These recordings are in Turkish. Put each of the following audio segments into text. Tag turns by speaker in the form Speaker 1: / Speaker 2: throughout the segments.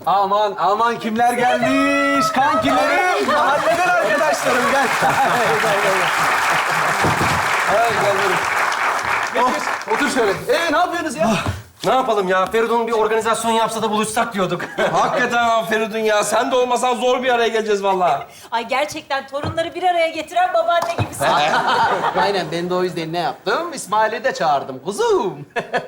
Speaker 1: Aman aman kimler gelmiş? Kankilerim, mahalleden arkadaşlarım gel. Gel. Geç. Otur şöyle. Ne yapıyorsunuz ya?
Speaker 2: Ne yapalım ya? Feridun bir organizasyon yapsa da buluşsak diyorduk.
Speaker 3: Hakikaten ha Feridun ya. Sen de olmasan zor bir araya geleceğiz vallahi.
Speaker 4: Ay gerçekten torunları bir araya getiren babaanne gibisin.
Speaker 1: Aynen ben de o yüzden ne yaptım? İsmail'i de çağırdım kuzum.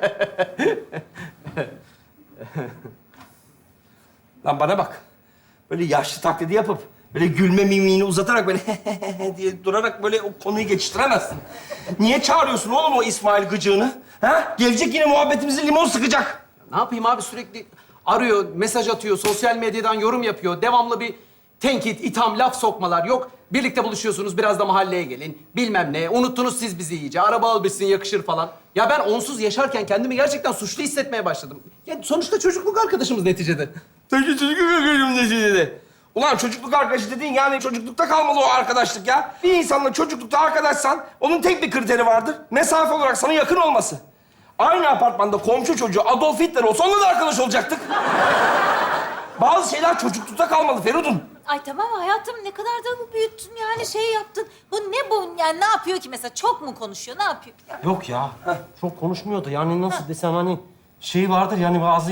Speaker 3: Lan bana bak. Böyle yaşlı taklidi yapıp, böyle gülme mimiğini uzatarak böyle diye durarak böyle o konuyu geçiştiremezsin. Niye çağırıyorsun oğlum o İsmail gıcığını? Ha? Gelecek yine muhabbetimizi limon sıkacak.
Speaker 1: Ne yapayım abi sürekli arıyor, mesaj atıyor, sosyal medyadan yorum yapıyor. Devamlı bir tenkit, itham, laf sokmalar. Yok birlikte buluşuyorsunuz biraz da mahalleye gelin. Bilmem ne. Unuttunuz siz bizi iyice. Araba al bitsin yakışır falan. Ya ben onsuz yaşarken kendimi gerçekten suçlu hissetmeye başladım. Ya sonuçta çocukluk arkadaşımız neticede.
Speaker 3: Çocukluk arkadaşım dedi. Ulan çocukluk arkadaşı dediğin yani çocuklukta kalmalı o arkadaşlık ya. Bir insanla çocuklukta arkadaşsan onun tek bir kriteri vardır. Mesafe olarak sana yakın olması. Aynı apartmanda komşu çocuğu Adolf Hitler olsa onunla da arkadaş olacaktık. Bazı şeyler çocuklukta kalmalı Feridun.
Speaker 4: Ay tamam hayatım ne kadar da büyüttün yani şey yaptın. Bu ne bu yani ne yapıyor ki mesela çok mu konuşuyor ne yapıyor?
Speaker 2: Yok ya. Çok konuşmuyordu. Yani nasıl desem hani şey vardır yani bazı...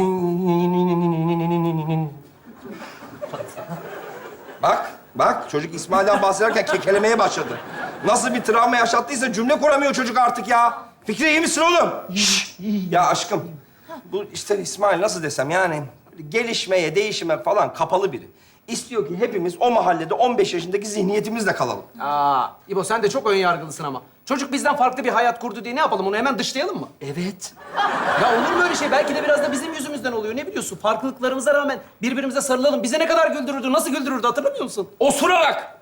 Speaker 3: Bak çocuk İsmail'den bahsederken kekelemeye başladı. Nasıl bir travma yaşattıysa cümle kuramıyor çocuk artık ya. Fikri iyi misin oğlum? Ya aşkım, bu işte İsmail nasıl desem yani gelişmeye, değişime falan kapalı biri. İstiyor ki hepimiz o mahallede 15 yaşındaki zihniyetimizle kalalım.
Speaker 1: İbo sen de çok ön yargılısın ama. Çocuk bizden farklı bir hayat kurdu diye ne yapalım? Onu hemen dışlayalım mı?
Speaker 3: Evet.
Speaker 1: Ya olur mu öyle şey? Belki de biraz da bizim yüzümüzden oluyor. Ne biliyorsun? Farklılıklarımıza rağmen birbirimize sarılalım. Bize ne kadar güldürürdü, nasıl güldürürdü hatırlamıyor musun?
Speaker 3: Osurarak.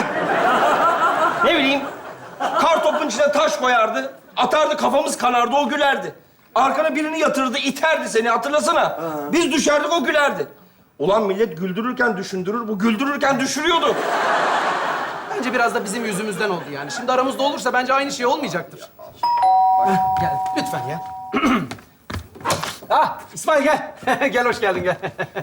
Speaker 3: Ne bileyim, kartopun içine taş koyardı, atardı kafamız kanardı, o gülerdi. Arkana birini yatırırdı, iterdi seni hatırlasana. Biz düşerdik, o gülerdi. Ulan millet güldürürken düşündürür, bu güldürürken düşürüyordu.
Speaker 1: Bence biraz da bizim yüzümüzden oldu yani. Şimdi aramızda olursa bence aynı şey olmayacaktır. Gel, lütfen ya. İsmail gel. Gel, hoş geldin, gel.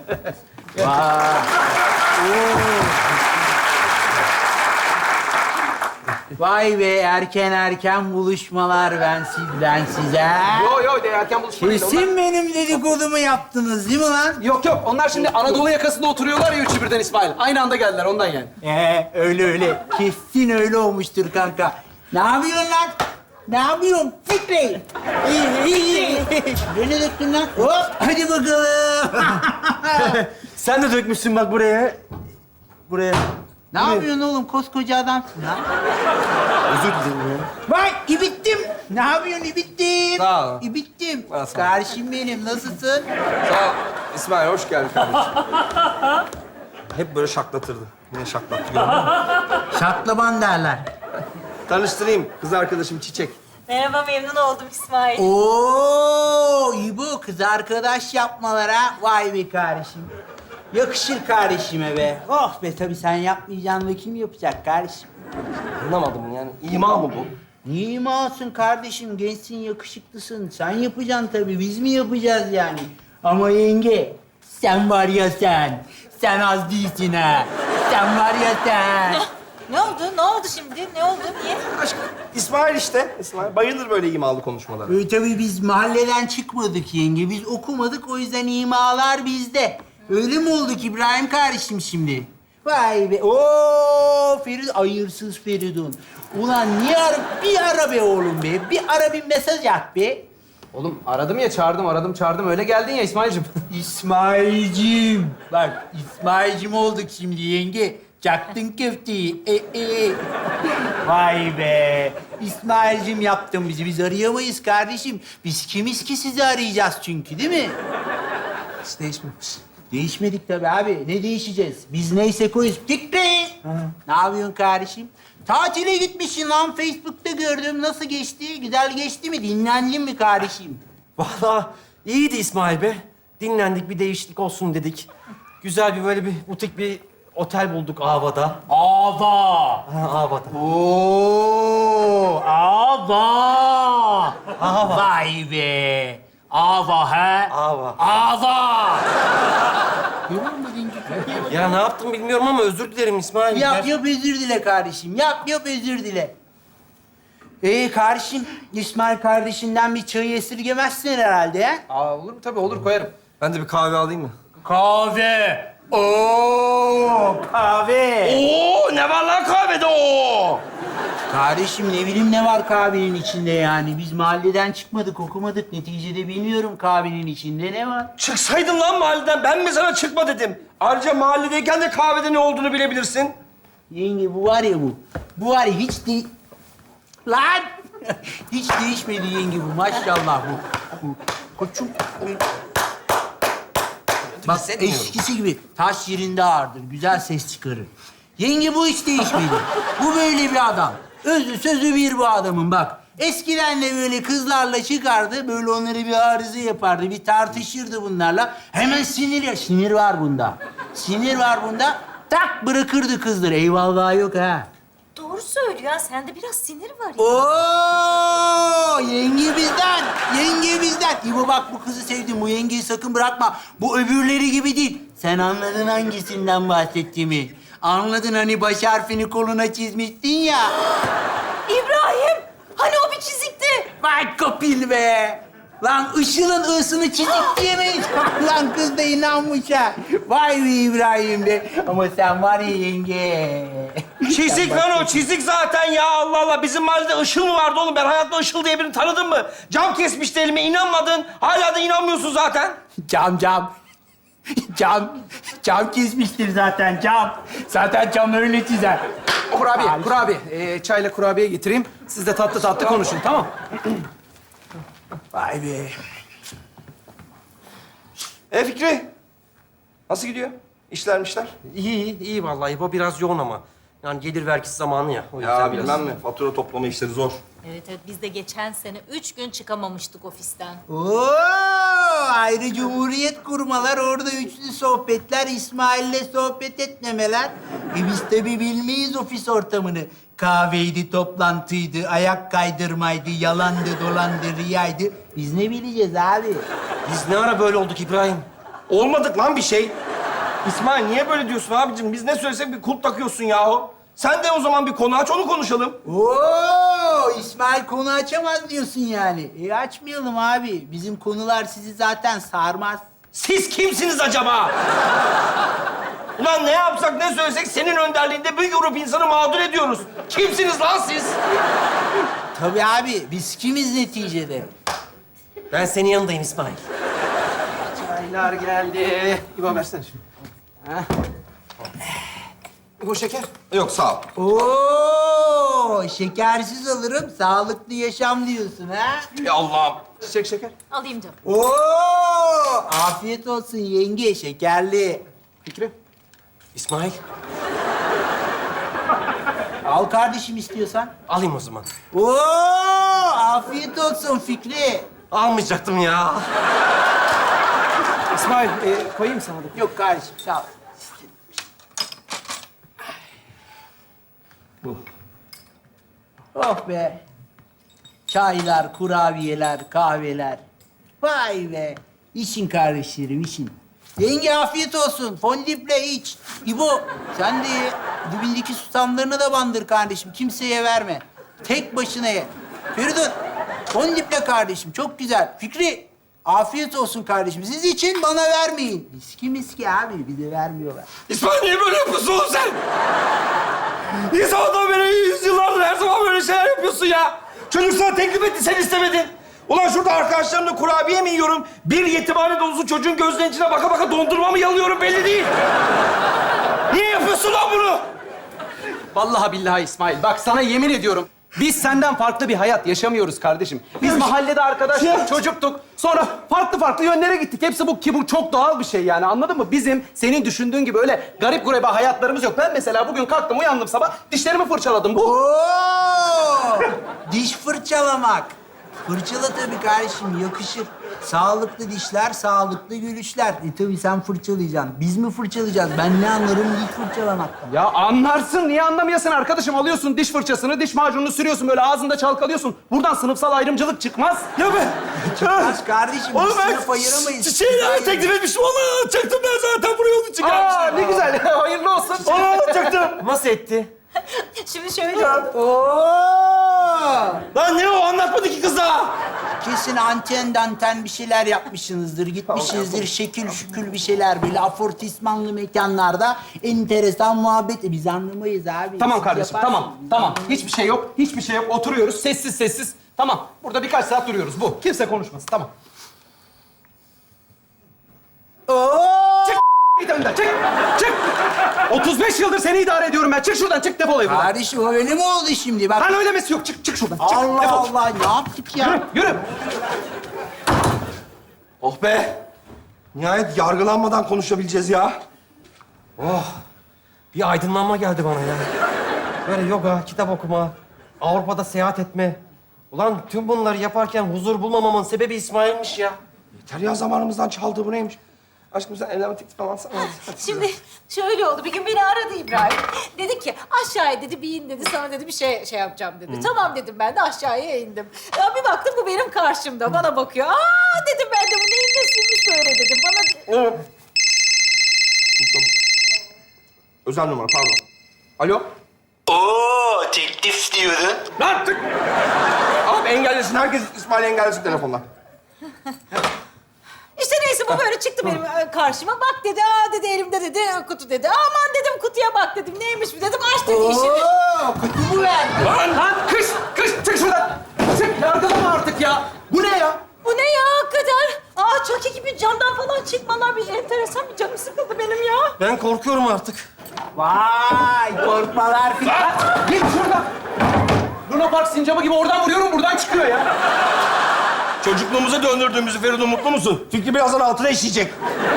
Speaker 5: Vay be erken buluşmalar ben sizden size.
Speaker 1: Yo, de erken buluşma değil.
Speaker 5: Kesin benim dedikodumu yaptınız değil mi lan?
Speaker 1: Yok. Onlar şimdi Anadolu yakasında oturuyorlar ya üçü birden İsmail. Aynı anda geldiler ondan yani.
Speaker 5: Öyle. Kesin öyle olmuştur kanka. Ne yapıyorsun lan? Ne yapıyorsun Fikri? İyi. Beni döktün lan. Hop hadi bakalım.
Speaker 2: Sen de dökmüşsün bak buraya. Buraya.
Speaker 5: Ne yapıyorsun oğlum? Koskoca adamsın lan.
Speaker 2: Özür dilerim ya.
Speaker 5: Vay ibittim. Ne yapıyorsun ibittim?
Speaker 3: Sağ ol.
Speaker 5: İbittim.
Speaker 3: Sağ ol.
Speaker 5: Kardeşim benim nasılsın?
Speaker 3: Sağ ol. İsmail, hoş geldin kardeşim. Hep böyle şaklatırdı. Yine şaklattı, gördün mü?
Speaker 5: Şaklaban derler.
Speaker 3: Tanıştırayım, kız arkadaşım Çiçek.
Speaker 4: Merhaba memnun oldum İsmail.
Speaker 5: Oo, İbo kız arkadaş yapmalara vay be kardeşim. Yakışır kardeşime be. Oh be tabii sen yapmayacaksın da kim yapacak kardeşim?
Speaker 3: Anlamadım yani, ima mı bu?
Speaker 5: Niye imasın kardeşim? Gençsin, yakışıklısın. Sen yapacaksın tabii. Biz mi yapacağız yani? Ama yenge, sen var ya sen. Sen az değilsin ha. Sen var ya sen.
Speaker 4: Ne oldu? Ne oldu şimdi? Ne oldu? Niye?
Speaker 3: Aşkım, İsmail işte. İsmail bayılır böyle imalı konuşmalara.
Speaker 5: Tabii biz mahalleden çıkmadık yenge. Biz okumadık o yüzden imalar bizde. Öyle mi olduk İbrahim kardeşim şimdi? Vay be. Oo Feridun, hayırsız Feridun. Ulan niye bir ara be oğlum be. Bir ara bir mesaj at be.
Speaker 1: Oğlum aradım ya, çağırdım. Öyle geldin ya İsmail'cim.
Speaker 5: İsmail'cim. Bak İsmail'cim olduk şimdi yenge. Çaktın köfteyi. Vay be. İsmail'cim yaptın bizi. Biz arayamayız kardeşim. Biz kimiz ki sizi arayacağız çünkü değil mi?
Speaker 1: Hiç değişmemiş.
Speaker 5: Değişmedik tabii abi. Ne değişeceğiz? Biz neyse koyuz. Fikri! Ne yapıyorsun kardeşim? Tatile gitmişsin lan. Facebook'ta gördüm. Nasıl geçti? Güzel geçti mi? Dinlendin mi kardeşim?
Speaker 2: Vallahi iyiydi İsmail be. Dinlendik, bir değişiklik olsun dedik. Güzel bir böyle bir butik bir otel bulduk Ava'da.
Speaker 5: Ava!
Speaker 2: Ha, Ava'da.
Speaker 5: Oo! Ava! Vay be! Ava ha?
Speaker 2: Ava.
Speaker 5: Ava!
Speaker 2: Ya ne yaptım bilmiyorum ama özür dilerim İsmail.
Speaker 5: Yap yap özür dile kardeşim. Yap yap özür dile. Kardeşim, İsmail kardeşinden bir çayı esirgemezsin herhalde ya.
Speaker 1: Aa, olur mu? Tabii olur, koyarım.
Speaker 3: Ben de bir kahve alayım mı?
Speaker 5: Kahve. Oo, kahve.
Speaker 3: Oo, ne var lan kahvede o?
Speaker 5: Kardeşim ne bileyim ne var kahvenin içinde yani. Biz mahalleden çıkmadık, okumadık. Neticede bilmiyorum kahvenin içinde ne var.
Speaker 3: Çıksaydın lan mahalleden. Ben mi sana çıkma dedim? Ayrıca mahalledeyken de kahvede ne olduğunu bilebilirsin.
Speaker 5: Yenge bu var ya bu. Bu var ya hiç Lan! Hiç değişmedi yenge bu. Maşallah bu. Koçum. Bak eskisi gibi taş yerinde ağırdır. Güzel ses çıkarır. Yenge bu hiç değişmedi. Bu böyle bir adam. Özü sözü bir bu adamın bak. Eskiden de böyle kızlarla çıkardı. Böyle onları bir arıza yapardı. Bir tartışırdı bunlarla. Hemen sinir var bunda. Sinir var bunda. Tak bırakırdı kızları. Eyvallah yok ha.
Speaker 4: Doğru söylüyor ya. Sende biraz sinir var ya.
Speaker 5: Oo, yenge bizden, yenge bizden. İbo bak bu kızı sevdim, bu yengeyi sakın bırakma. Bu öbürleri gibi değil. Sen anladın hangisinden bahsettiğimi. Anladın hani baş harfini koluna çizmiştin ya.
Speaker 4: İbrahim! Hani o bir çizikti?
Speaker 5: Vay kopil be. Lan Işıl'ın ısını çizik diyemeyiz. Lan kız da inanmış ha. Vay be İbrahim be. Ama sen var ya yenge.
Speaker 3: Çizik lan o, çizik zaten ya. Allah Allah, bizim mahallede Işıl mı vardı oğlum? Ben hayatta Işıl diye birini tanıdım mı? Cam kesmişti elime, inanmadın. Hala da inanmıyorsun zaten.
Speaker 5: Cam. Cam kesmiştir zaten cam. Zaten cam öyle çizer.
Speaker 1: Kurabiye. Çayla kurabiye getireyim. Siz de tatlı tatlı konuşun, tamam?
Speaker 5: Vay be.
Speaker 3: Fikri, nasıl gidiyor? İşler?
Speaker 2: İyi vallahi. Bu biraz yoğun ama. Yani gelir vergisi zamanı ya. O yüzden
Speaker 3: Ya
Speaker 2: biraz...
Speaker 3: bilmem mi? Fatura toplama işleri zor.
Speaker 4: Evet biz de geçen sene 3 gün çıkamamıştık ofisten.
Speaker 5: Oo, ayrı cumhuriyet kurmalar, orada üçlü sohbetler, İsmail'le sohbet etmemeler. Biz tabii bilmeyiz ofis ortamını. Kahveydi, toplantıydı, ayak kaydırmaydı, yalandı, dolandı, riyaydı. Biz ne bileceğiz abi?
Speaker 2: Biz ne ara böyle olduk İbrahim?
Speaker 3: Olmadık lan bir şey. İsmail niye böyle diyorsun abicim? Biz ne söylesek bir kulp takıyorsun yahu. Sen de o zaman bir konu aç, onu konuşalım.
Speaker 5: Oo, İsmail konu açamaz diyorsun yani. Açmayalım abi. Bizim konular sizi zaten sarmaz.
Speaker 3: Siz kimsiniz acaba? Ulan ne yapsak, ne söylesek senin önderliğinde bir grup insanı mağdur ediyoruz. Kimsiniz lan siz?
Speaker 5: Tabii abi, biz kimiz neticede?
Speaker 2: Ben senin yanındayım İsmail.
Speaker 1: Çaylar geldi. İbo versene şunu. İbo şeker.
Speaker 3: Yok sağ ol.
Speaker 5: Oo, şekersiz alırım, sağlıklı yaşam diyorsun ha?
Speaker 3: Ya Allah'ım.
Speaker 1: Çiçek şeker.
Speaker 4: Alayım canım.
Speaker 5: Oo, afiyet olsun yenge, şekerli.
Speaker 1: Fikri.
Speaker 2: İsmail,
Speaker 5: Al kardeşim istiyorsan.
Speaker 2: alayım o zaman.
Speaker 5: Oo, afiyet olsun Fikri.
Speaker 2: Almayacaktım ya.
Speaker 1: İsmail, koyayım sana da.
Speaker 5: Yok kardeşim, sağ ol. Oh be. Çaylar, kurabiyeler, kahveler. Vay be. İçin kardeşlerim, için. Yenge afiyet olsun. Fondiple iç. İbo, sen de ye. Dibindeki susamlarını da bandır kardeşim. Kimseye verme. Tek başına ye. Feridun, fondiple kardeşim. Çok güzel. Fikri, afiyet olsun kardeşim. Siz için bana vermeyin. Miski abi, bize vermiyorlar.
Speaker 3: İsmail niye böyle yapıyorsun oğlum sen? İnsanlardan beri yüzyıllardır her zaman böyle şeyler yapıyorsun ya. Çocuk sana teklif etti, sen istemedin. Ulan şurada arkadaşlarımla kurabiye mi yiyorum? Bir yetimhane dolusu çocuğun gözlerinin içine baka baka dondurma mı yalıyorum belli değil. Niye yapıyorsun lan bunu?
Speaker 1: Vallahi billahi İsmail. Bak sana yemin ediyorum. Biz senden farklı bir hayat yaşamıyoruz kardeşim. Biz mahallede arkadaştık, çocuktuk. Sonra farklı yönlere gittik. Hepsi bu ki bu çok doğal bir şey yani, anladın mı? Bizim senin düşündüğün gibi öyle garip gurebe hayatlarımız yok. Ben mesela bugün kalktım, uyandım sabah, dişlerimi fırçaladım. Bu.
Speaker 5: Oo! Diş fırçalamak. Fırçala tabii kardeşim, yakışır. Sağlıklı dişler, sağlıklı gülüşler. Tabii sen fırçalayacaksın. Biz mi fırçalayacağız? Ben ne anlarım diş fırçalamaktan.
Speaker 1: Ya anlarsın, niye anlamayasın arkadaşım? Alıyorsun diş fırçasını, diş macununu sürüyorsun, böyle ağzında çalkalıyorsun. Buradan sınıfsal ayrımcılık çıkmaz.
Speaker 2: Ya ben...
Speaker 5: Çıkmaz kardeşim, biz sınıf ayıramayız.
Speaker 2: Çiçeği teklif etmiştim. Onu alacaktım ben zaten. Buraya onu
Speaker 1: Aa,
Speaker 2: çıkarmıştım.
Speaker 1: ne güzel. Hayırlı olsun.
Speaker 2: Onu alacaktım. Nasıl etti?
Speaker 4: Şimdi şöyle oldu.
Speaker 5: Oo!
Speaker 2: Lan ne o? Anlatmadı ki kız daha.
Speaker 5: Kesin anten danten bir şeyler yapmışsınızdır. Gitmişsinizdir şekil şükül bir şeyler böyle afortismanlı mekanlarda enteresan muhabbet. Biz anlamayız abi.
Speaker 1: Tamam
Speaker 5: Siz
Speaker 1: kardeşim,
Speaker 5: yaparsınız.
Speaker 1: tamam. Hiçbir şey yok, hiçbir şey yok. Oturuyoruz, sessiz sessiz. Tamam, burada birkaç saat duruyoruz. Bu. Kimse konuşmasın, tamam.
Speaker 5: Oo!
Speaker 1: Git önden, çık! Çık! 35 yıldır seni idare ediyorum ben. Çık şuradan, çık defol evden.
Speaker 5: Kardeşim öyle mi oldu şimdi? Bak.
Speaker 1: Lan öylemesi yok. Çık şuradan. Çık,
Speaker 5: Allah
Speaker 1: defol.
Speaker 5: Allah, ne yaptık ya?
Speaker 1: Yürü.
Speaker 3: Oh be! Nihayet yargılanmadan konuşabileceğiz ya.
Speaker 2: Bir aydınlanma geldi bana ya. Böyle yoga, kitap okuma, Avrupa'da seyahat etme. Ulan tüm bunları yaparken huzur bulmamamın sebebi İsmail'miş ya.
Speaker 3: Yeter ya, zamanımızdan çaldı, bu neymiş? Aşkım sen evlenme teklifi alsana.
Speaker 4: Şimdi şöyle oldu. Bir gün beni aradı İbrahim. Dedi ki aşağıya dedi bir in dedi. Sana dedi bir şey yapacağım dedi. Tamam dedim ben de aşağıya indim. Ya bir baktım bu benim karşımda. Bana bakıyor. Aa dedim ben de bu neyin nesiymiş böyle dedim. Bana
Speaker 3: Özel numara, pardon. Alo?
Speaker 6: Oo, teklif diyordun.
Speaker 3: Lan tık! Abi engellesin, herkes İsmail'i engellesin telefonla.
Speaker 4: İşte neyse bu böyle çıktı benim karşıma. Bak dedi, aa dedi elimde dedi kutu dedi. Aman dedim kutuya bak dedim. Neymiş bu dedim. Aç dedi işini.
Speaker 5: Oo, kutu mu verdi?
Speaker 1: Lan kış, çık şuradan. Çık, yargılama artık ya. Bu ne ya?
Speaker 4: Bu ne ya hakikaten? Aa Chucky gibi camdan falan çıkmalar bir enteresan bir canım sıkıldı benim ya.
Speaker 2: Ben korkuyorum artık.
Speaker 5: Vay, korkmalar filan.
Speaker 1: Git şuradan. Luna Park sincabı gibi oradan vuruyorum, buradan çıkıyor ya.
Speaker 3: Çocukluğumuza döndürdüğümüzü Feridun, mutlu musun? Çünkü birazdan altına işleyecek.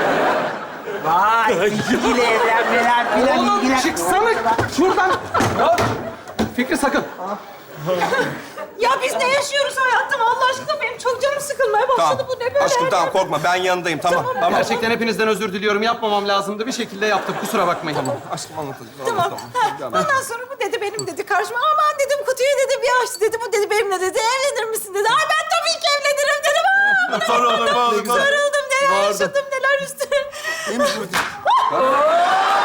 Speaker 5: Vay, ikili evlenmeler filan
Speaker 1: Oğlum
Speaker 5: ilgilen.
Speaker 1: çıksana şuradan. Ya, Fikri sakın.
Speaker 4: Ya biz ne yaşıyoruz hayatım Allah aşkına benim çok canım sıkılmaya başladı bu ne böyle?
Speaker 3: Aşkım tamam, korkma, ben yanındayım, tamam. Tamam.
Speaker 1: Gerçekten hepinizden özür diliyorum. Yapmamam lazımdı. Bir şekilde yaptım. Kusura bakmayın.
Speaker 3: Aşkım anlatalım.
Speaker 4: Tamam. Ha, ondan sonra bu dedi benim dedi karşıma. Aman dedim kutuyu dedi bir açtı dedi. Bu dedi benimle dedi evlenir misin dedi. Ay ben tabii ki evlenirim dedim. Aa, bu ne
Speaker 3: Sonra olur,
Speaker 4: Sarıldım neler yaşadım neler üstüne.
Speaker 5: Değil mi?